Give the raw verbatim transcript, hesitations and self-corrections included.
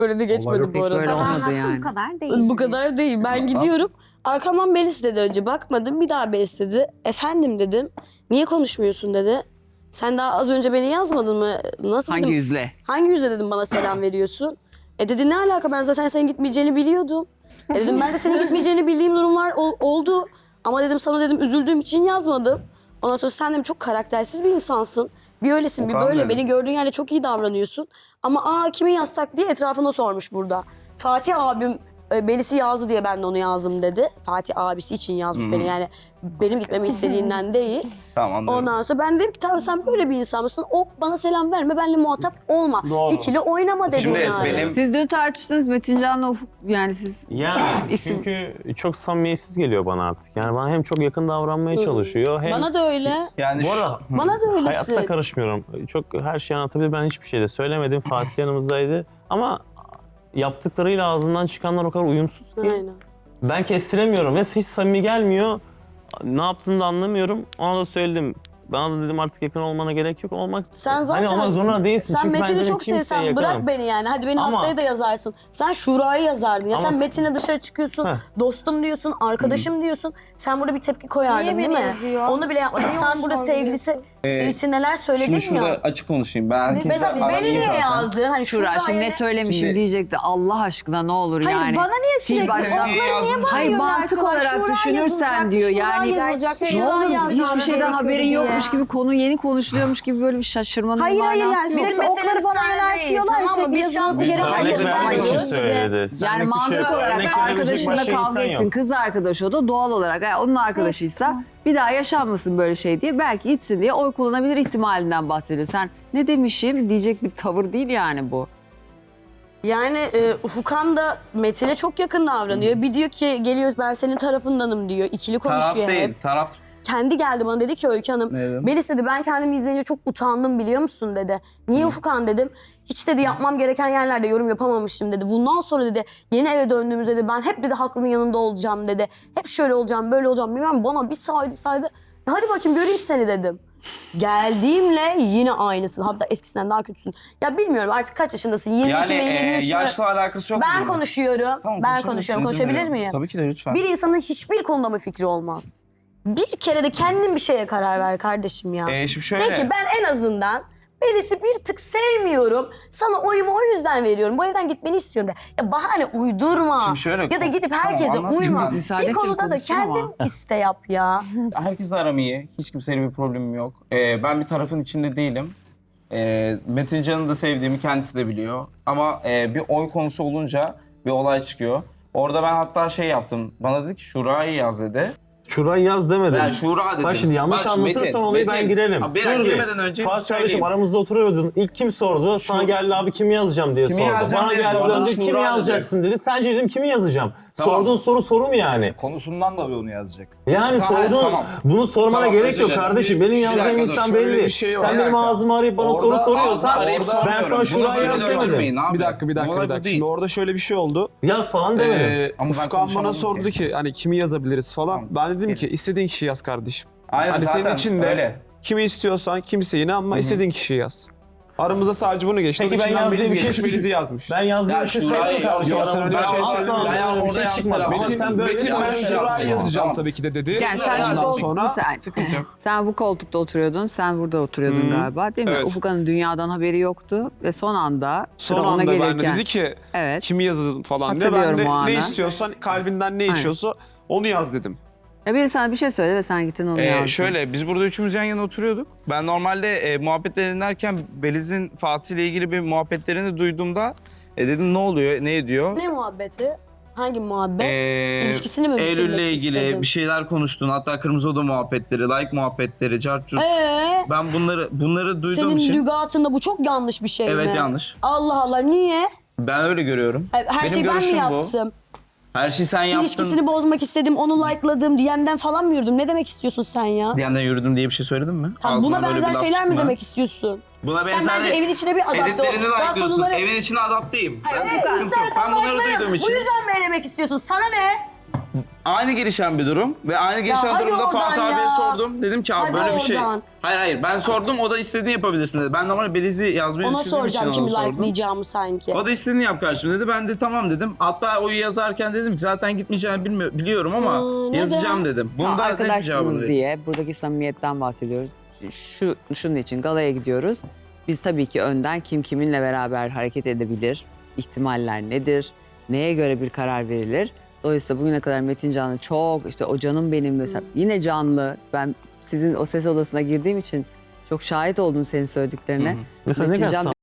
Böyle de geçmedi bu arada. Böyle olmadı yani. Bu kadar değil. Bu kadar değil. Ben gidiyorum. Arkamdan Belis dedi önce. Bakmadım. Bir daha Belis dedi. Efendim dedim. Niye konuşmuyorsun dedi. Sen daha az önce beni yazmadın mı? Nasıl Hangi dedim. yüzle? Hangi yüzle dedim bana selam veriyorsun? E dedi ne alaka, ben zaten senin gitmeyeceğini biliyordum. E dedim ben de senin gitmeyeceğini bildiğim durumlar ol, oldu. Ama dedim sana dedim üzüldüğüm için yazmadım. Ondan sonra sen dedim çok karaktersiz bir insansın. Bir öylesin bir Okan böyle. dedim. Beni gördüğün yerde çok iyi davranıyorsun. Ama aa kimi yazsak diye etrafında sormuş burada. Fatih abim e, Belis'i yazdı diye ben de onu yazdım dedi. Fatih abisi için yazmış beni, yani benim gitmemi istediğinden değil. Tamam anlıyorum. Ondan sonra ben dedim ki tamam sen böyle bir insan mısın? O bana selam verme, benimle muhatap olma. Doğru. İkili oynama dedim Şimdi yani. benim Siz dün tartıştınız Metincan'la Ufuk, yani siz Yani İsim- çünkü çok samimiyetsiz geliyor bana artık. Yani bana hem çok yakın davranmaya çalışıyor hem... Bana da öyle. yani Bu şu- arada Bana da öylesin. hayatta karışmıyorum. Çok her şeyi anlatabilir. Ben hiçbir şey de söylemedim. Fatih yanımızdaydı. Ama yaptıklarıyla ağzından çıkanlar o kadar uyumsuz ki. Aynen. Ben kestiremiyorum ve hiç samimi gelmiyor. Ne yaptığını da anlamıyorum. Ona da söyledim. Bana da dedim artık yakın olmana gerek yok. Olmak, Sen zaten hani olmak zorunda değilsin. Sen Çünkü ben Metin'i dedim çok kimseye sevsen bırak yakınım. beni yani. Hadi beni Ama- haftaya da yazarsın. Sen Şura'yı yazardın. Ya Ama- sen Metin'le dışarı çıkıyorsun. Heh. Dostum diyorsun, arkadaşım diyorsun. Sen burada bir tepki koyardın Niye değil beni mi? yazıyor? Onu bile yapmadın. Niye Sen onu burada sorguluyorsun? sevgilisi Ee, için neler söyledin Şimdi şurada ya. açık konuşayım. Ben herkesle Mesela aram beni iyi niye zaten. yazdın? Hani Şura Şura'ya şimdi ne ne- söylemişim Şimdi- diyecekti. Allah aşkına ne olur Hayır yani. bana niye Sil sürekli baştan. okları niye Hayır, Hayır bağırıyorsun mantık arkadaş? olarak Şura düşünürsen yazılacak, diyor Şura yani yazılacak, ne Şura olur yazılacak. hiçbir şeyden haberin ya. yokmuş gibi konu yeni konuşuluyormuş gibi böyle bir şaşırmanın Hayır, hayır, manası yani yok. bizim Bizim okları meselemiz bana sen yöneltiyorlar, değil, tamam mı? sürekli Biz şu an yazılması bir gereken örnek şeyler Örnek vermiyoruz. vermek için söyledi. Yani Senlik bir mantık şey yok. olarak Örnek verebilecek arkadaşınla başka kavga insan ettin, yok. kız arkadaşı o da doğal olarak yani onun arkadaşıysa bir daha yaşanmasın böyle şey diye belki gitsin diye oy kullanabilir ihtimalinden bahsediyor. Sen ne demişim diyecek bir tavır değil yani bu. Yani e, Ufukan da Metin'e çok yakın davranıyor. Bir diyor ki geliyoruz ben senin tarafındanım diyor. İkili konuşuyor Taraf değil, hep. taraf. Kendi geldi bana dedi ki Öykü Hanım. Ne dedim? Melis dedi ben kendimi izleyince çok utandım biliyor musun dedi. Niye Ufukan dedim. Hiç dedi yapmam gereken yerlerde yorum yapamamışım dedi. Bundan sonra dedi yeni eve döndüğümüzde dedi ben hep dedi haklının yanında olacağım dedi. Hep şöyle olacağım böyle olacağım bilmem bana bir saydı saydı. Hadi bakayım göreyim seni dedim. Geldiğimle yine aynısın. Hatta eskisinden daha kötüsün. Ya bilmiyorum artık kaç yaşındasın? yirmi iki Yani mi yirmi üç e, mü? yaşla alakası yok. Ben bunun. konuşuyorum. Tamam, ben konuşabilirsiniz, konuşuyorum. izin Konuşabilir veriyorum. miyim? Tabii ki de lütfen. Bir insanın hiçbir konuda mı fikri olmaz? Bir kere de kendin bir şeye karar ver kardeşim ya. Ee, şimdi şöyle. De ki ben en azından Melis'i bir tık sevmiyorum. Sana oyumu o yüzden veriyorum. Bu evden gitmeni istiyorum de. Ya bahane uydurma. Şimdi şöyle- ya da gidip Tamam, herkese anlatayım uyma. ben. Müsaade Bir edeceğim, konuda da konuşsun ama. kendin iste yap ya. Herkesle aram iyi. Hiç kimseyle bir problemim yok. Ee, ben bir tarafın içinde değilim. Ee, Metin Can'ı da sevdiğimi kendisi de biliyor. Ama e, bir oy konusu olunca bir olay çıkıyor. Orada ben hatta şey yaptım. Bana dedi ki Şura'yı yaz dedi. Şurayı yaz demedim. Ben Şura dedim. Bak şimdi yanlış Bak şimdi anlatırsan Metin, olayı Metin. ben girelim. Abi ben Dur bir. girmeden önce Fatih bir kardeşim söyleyeyim. aramızda oturuyordun. İlk kim sordu? Sana geldi abi kimi yazacağım diye Kimi sordu. yazacağım Bana diye geldi sordu. döndü Şura kimi dedi. yazacaksın dedi. Sence dedim kimi yazacağım? Tamam. Sorduğun soru soru mu yani? Konusundan da onu yazacak. Yani Tamam, sorduğun tamam. bunu sormana Tamam, gerek özür yok dilerim. kardeşim. Bir- Benim bir yazacağım dakika, insan şöyle belli. bir şey yok. Sen Bir benim dakika. ağzımı arayıp bana Orada soru soruyorsan Arayıp ben sormuyorum. sana Buna şurayı böyle yaz bakmayın demedim. abi. Bir dakika bir dakika Olay bir bu dakika. değil. Şimdi orada şöyle bir şey oldu. Yaz falan demedim. Ee, Ama ben Ufkan bana konuşamadım sordu ki. ki hani kimi yazabiliriz falan. Tamam. Ben dedim ki istediğin kişiyi yaz kardeşim. Aynen Hani zaten senin için de öyle. kimi istiyorsan kimseyi ama istediğin kişiyi yaz. Aramızda sadece bunu geçti. Peki Onun ben içinden yazdığım Melis bir şey- geçmiş, Melis'i yazmış. Ben yazdığım Ya bir şey Şurayı söyledim kardeşim. yok, sen öyle bir şey Asla söylemedin. öyle Ben bir orada şey yanlış çıkmadı. Ama telaffuz sen ettim. böyle Metin ben yanlış Şura'yı yazdım. yazacağım Tamam. tabii ki de dedi. Yani sen şu Ondan koltuk, sonra bir saniye. Sıkıntı yok. Sen bu koltukta oturuyordun, sen burada oturuyordun galiba değil mi? Evet. Ufuk'un dünyadan haberi yoktu ve son anda son sıra ona anda ben de gelirken. dedi ki Evet. kimi yazalım falan diye. Ben Hatırlıyorum o de anı. ne istiyorsan kalbinden ne Aynen. içiyorsa onu yaz dedim. Ya biri sana bir şey söyledi ve sen gittin onu Ee, yazdın. şöyle biz burada üçümüz yan yana oturuyorduk. Ben normalde e, muhabbetleri dinlerken Beliz'in Fatih ile ilgili bir muhabbetlerini duyduğumda e, dedim ne oluyor, ne ediyor? Ne muhabbeti? Hangi muhabbet? Ee, İlişkisini mi bitirmek Eylül'le ilgili istedin? bir şeyler konuştun. Hatta Kırmızı Oda muhabbetleri, like muhabbetleri, cartcut. Ee, Ben bunları bunları duyduğum senin için lügatında bu çok yanlış bir şey mi? evet yanlış. Allah Allah niye? Ben öyle görüyorum. Her Benim şeyi ben mi görüşüm bu. yaptım? Her şeyi sen yaptın. İlişkisini bozmak istedim, onu like'ladım, D M'den falan mı yürüdüm? Ne demek istiyorsun sen ya? D M'den yürüdüm diye bir şey söyledin mi? Tamam, Ağzından buna böyle bir benzer laf şeyler mi çıktı mı? demek istiyorsun? Buna Sen benzer bence evin içine bir adapte ol. editlerini Ben like'lıyorsun. konuları- Evin içine adapteyim. Hayır, Ben sıkıntı yok. istersen Ben bunları like'larım. duyduğum için. Bu yüzden mi elemek istiyorsun? Sana ne? Aynı gelişen bir durum ve aynı gelişen hadi durumda oradan Fatih ya. abiye sordum. Dedim ki abi Hadi böyle bir şey. oradan. Hayır hayır ben sordum o da istediğini yapabilirsin dedi. Ben normal belizi yazmayı Ona düşündüğüm için soracağım ona kimi sordum. like'layacağımı sanki. O da istediğini yap kardeşim dedi. Ben de tamam dedim. Hatta oyu yazarken dedim ki zaten gitmeyeceğini bilmi- biliyorum ama Aa, neden? yazacağım dedim. Ha, Bunda net bir cevabını arkadaşsınız vereyim. diye buradaki samimiyetten bahsediyoruz. Şu şunun için galaya gidiyoruz. Biz tabii ki önden kim kiminle beraber hareket edebilir, ihtimaller nedir, neye göre bir karar verilir. Dolayısıyla bugüne kadar Metin Can'ı çok işte o canım benim mesela yine canlı. Ben sizin o ses odasına girdiğim için çok şahit oldum senin söylediklerine. Mesela ne Metin kadar Can